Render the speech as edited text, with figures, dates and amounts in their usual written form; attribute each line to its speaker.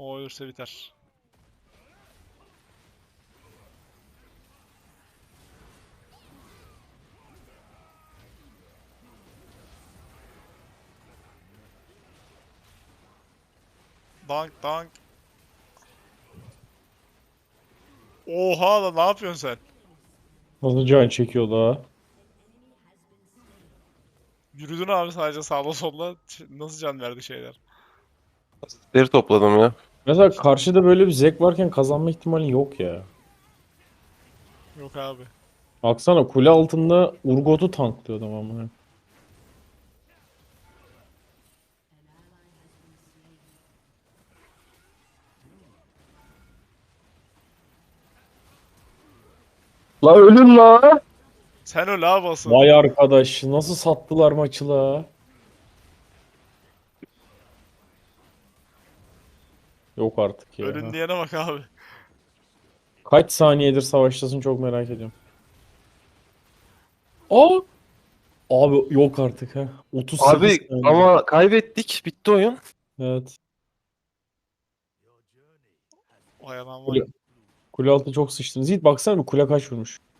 Speaker 1: O ölürse biter. Dank dank. Oha lan, ne yapıyorsun sen?
Speaker 2: Nasıl can çekiyordu ha?
Speaker 1: Yürüdün abi sadece sağda solda. Nasıl can verdi şeyler?
Speaker 3: Deri topladım ya.
Speaker 2: Mesela karşıda böyle bir zek varken kazanma ihtimali yok ya.
Speaker 1: Yok abi.
Speaker 2: Baksana kule altında Urgot'u tanklıyor adam ama.
Speaker 3: La ölün la.
Speaker 1: Sen öl abi asıl.
Speaker 2: Vay arkadaş nasıl sattılar maçı la? Yok artık
Speaker 1: Ölün
Speaker 2: ya.
Speaker 1: diyene bak abi.
Speaker 2: Kaç saniyedir savaştasın çok merak ediyorum. Aa! Abi yok artık ha. 38
Speaker 3: Abi
Speaker 2: saniye.
Speaker 3: ama kaybettik. Bitti oyun.
Speaker 2: Evet.
Speaker 1: Vay anam vay.
Speaker 2: Kule, kule altı çok sıçtınız. Yiğit baksana bir kule kaç vurmuş.